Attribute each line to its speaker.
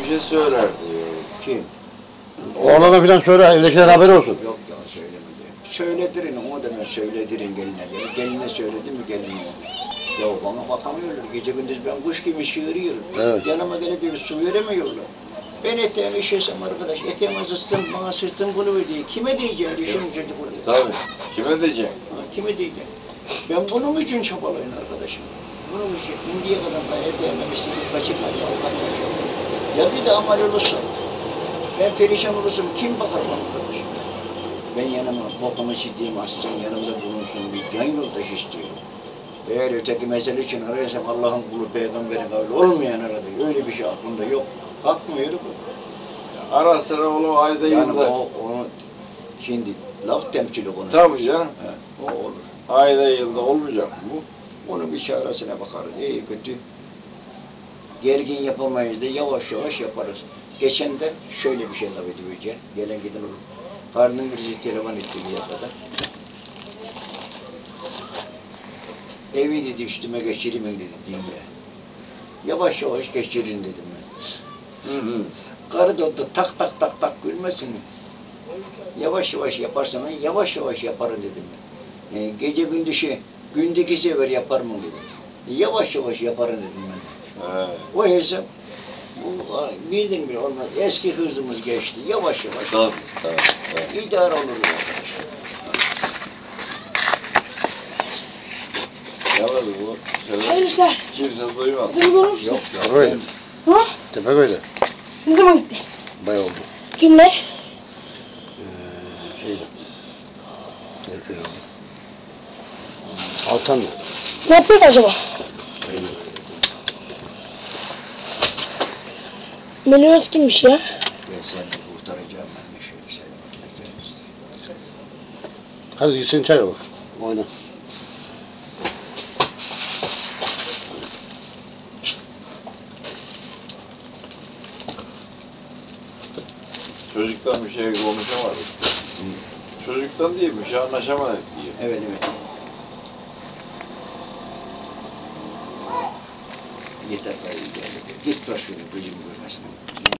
Speaker 1: şey söyler diyor.
Speaker 2: Kim?
Speaker 3: Oğlana filan söyle, evdekiler haberi olsun.
Speaker 2: Yok ya söylemedi. Söyledirin, o demek söyledirin geline. Geline söyledi mi geline? Ya bana bakamıyorlar. Gece gündüz ben kuş gibi sığırıyorum.
Speaker 3: Evet.
Speaker 2: Yanıma gelip bir su veremiyorlar. Ben eteğimi işesem arkadaş, eteğimi zıstım, bana sırtım bunu diye. Kime diyeceğim düşünün çocukları?
Speaker 1: Tabii. Kime diyecek?
Speaker 2: Kime diyeceğim? Ben bunun için çabalayın arkadaşım. Bunun için şimdiye kadar ben eteğime istedim, kaçırmayacağım, Allah'ım. Ya bir de amal olursa, ben perişan olursam kim bakar bana arkadaşım? Ben yanıma bokumu sildiğim aslan yanımda bulunsun bir can yoldaş istiyorum. Eğer öteki mesele için arıyorsam Allah'ın kulu peygamberin kavli olmayan arada öyle bir şey aklımda yok. Kalkmıyor bu.
Speaker 1: Ara sıra onu ayda
Speaker 2: Yani
Speaker 1: yılda.
Speaker 2: onu şimdi laf temsili konu.
Speaker 1: Tabii canım.
Speaker 2: He, o olur.
Speaker 1: Ayda yılda olmayacak bu.
Speaker 2: Onun bir çaresine bakarız. İyi kötü. Gergin yapamayız da yavaş yavaş yaparız. Geçen de şöyle bir şey laf edeceğim. Gelen giden olur. Karnım birisi telefon etti bir yakada. Evi dedi üstüme geçireyim dedi dinle. Yavaş yavaş geçirin dedim ben. Karı da tak tak tak tak gülmesin mi? Yavaş yavaş yaparsan yavaş yavaş yaparım dedim ben. Gece gündüzü gündeki sefer yapar mı dedim. Yavaş yavaş yaparım dedim ben. O hesap bildin mi olmaz. Eski hızımız geçti. Yavaş yavaş.
Speaker 1: Tabii.
Speaker 2: İdare olur arkadaş.
Speaker 1: Yavaş bu.
Speaker 4: Hayırlı işler.
Speaker 1: Kimse duymaz.
Speaker 4: Kızım olur musun?
Speaker 2: Yok ya.
Speaker 3: Tepeköy'de.
Speaker 4: Ha?
Speaker 3: Tepeköy'de.
Speaker 4: Ne zaman gitti?
Speaker 3: Bayağı oldu.
Speaker 4: Kimler?
Speaker 3: Şeyde. Herif oldu. Altan.
Speaker 4: Ne yapıyor acaba? Meliorat kimmiş ya?
Speaker 2: Ben seni kurtaracağım ben de şöyle söylemek
Speaker 3: Hadi gitsin çay bak. Oyna.
Speaker 1: Çocuktan bir şey konuşamadık. Çocuktan değil, bir şey anlaşamadık diyor.
Speaker 2: Evet evet. Yeter gayrı geldi. Git başını gözümü görmesin.